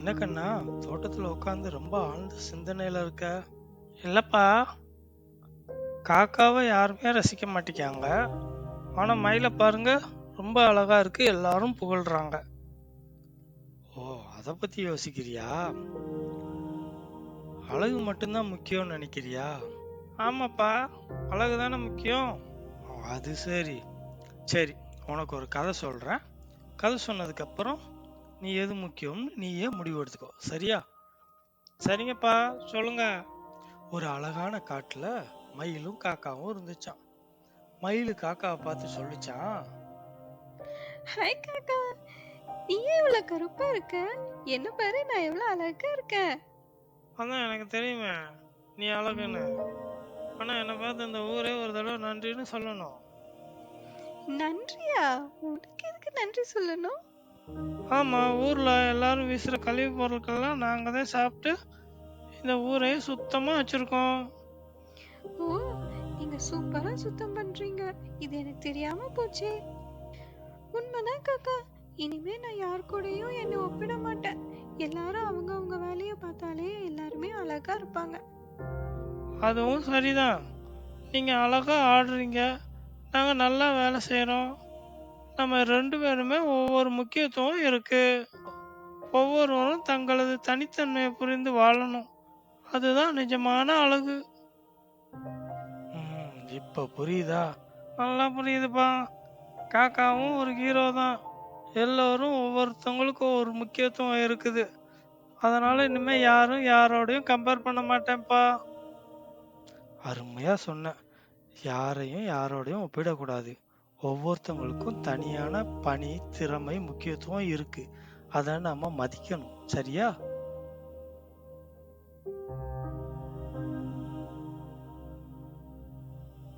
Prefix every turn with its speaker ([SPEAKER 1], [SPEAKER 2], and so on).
[SPEAKER 1] என்ன கண்ணா, தோட்டத்துல உட்காந்து ரொம்ப ஆழ்ந்த சிந்தனையில இருக்க? இல்லப்பா, காக்காவை யாருமே ரசிக்க மாட்டேங்காங்க. ஆனா மயிலை பாருங்க, ரொம்ப அழகா இருக்கு, எல்லாரும் புகழ்றாங்க. ஓ, அத பத்தி யோசிக்கிறியா? அழகு மட்டும்தான் முக்கியம்னு நினைக்கிறியா? ஆமாப்பா, அழகு தானே முக்கியம். ஓ, அது சரி. சரி, உனக்கு ஒரு கதை சொல்றேன். கதை சொன்னதுக்கு அப்புறம் நீ எது முக்கியம்னு நீயே முடிவு எடுத்துக்கோ, சரியா? சரிங்கப்பா, சொல்லுங்க. ஒரு அழகான காட்டுல மயிலும் காக்காவும் இருந்துச்சாம். மயிலு காக்காவை பார்த்து சொல்லுச்சான்,
[SPEAKER 2] ஹாய் காக்கா, நீ ஏன் இவ்வளவு கருப்பா இருக்க? என்ன பாரு, நான் எவ்வளவு அழகா இருக்கேன்.
[SPEAKER 1] அதான் எனக்கு தெரியுமே நீ அழகுன்னு. ஆனா என்னை பார்த்து இந்த ஊரே ஒரு தடவை நன்றின்னு சொல்லணும்.
[SPEAKER 2] நன்றியா? உனக்கு எதுக்கு நன்றி சொல்லணும்?
[SPEAKER 1] ஆமா, ஊர்ல எல்லாரும் வீசுற கழிவு பொருட்கள்லாம் நாங்க தான் சாப்பிட்டு இந்த ஊரையே சுத்தமா வச்சிருக்கோம்.
[SPEAKER 2] ஓ, நீங்க சூப்பரா சுத்தம் பண்றீங்க. இது எனக்கு தெரியாம போச்சே. உண்மைதான் காக்கா. இனிமே நான் யார் கூடயும் என்னை ஒப்பிட மாட்டேன். எல்லாரும் அவங்க அவங்க வேலையை பார்த்தாலே எல்லாருமே அழகா இருப்பாங்க.
[SPEAKER 1] அதுவும் சரிதான். நீங்க அழகா ஆடுறீங்க, நாங்க நல்லா வேலை செய்றோம். நம்ம ரெண்டு பேருமே ஒவ்வொரு முக்கியத்துவம் இருக்கு. ஒவ்வொருவரும் தங்களது தனித்தன்மையை புரிந்து வாழணும். அதுதான் நிஜமான அழகு. இப்ப புரியுதா? நல்லா புரியுதுப்பா. காக்காவும் ஒரு ஹீரோ தான். எல்லோரும் ஒவ்வொருத்தவங்களுக்கும் ஒரு முக்கியத்துவம் இருக்குது. அதனால இனிமே யாரும் யாரோடையும் கம்பேர் பண்ண மாட்டேன்ப்பா. அருமையா சொன்ன. யாரையும் யாரோடையும் ஒப்பிடக்கூடாது. ஒவ்வொருத்தவங்களுக்கும் தனியான பணி, திறமை, முக்கியத்துவம் இருக்கு. அதை நம்ம மதிக்கணும், சரியா?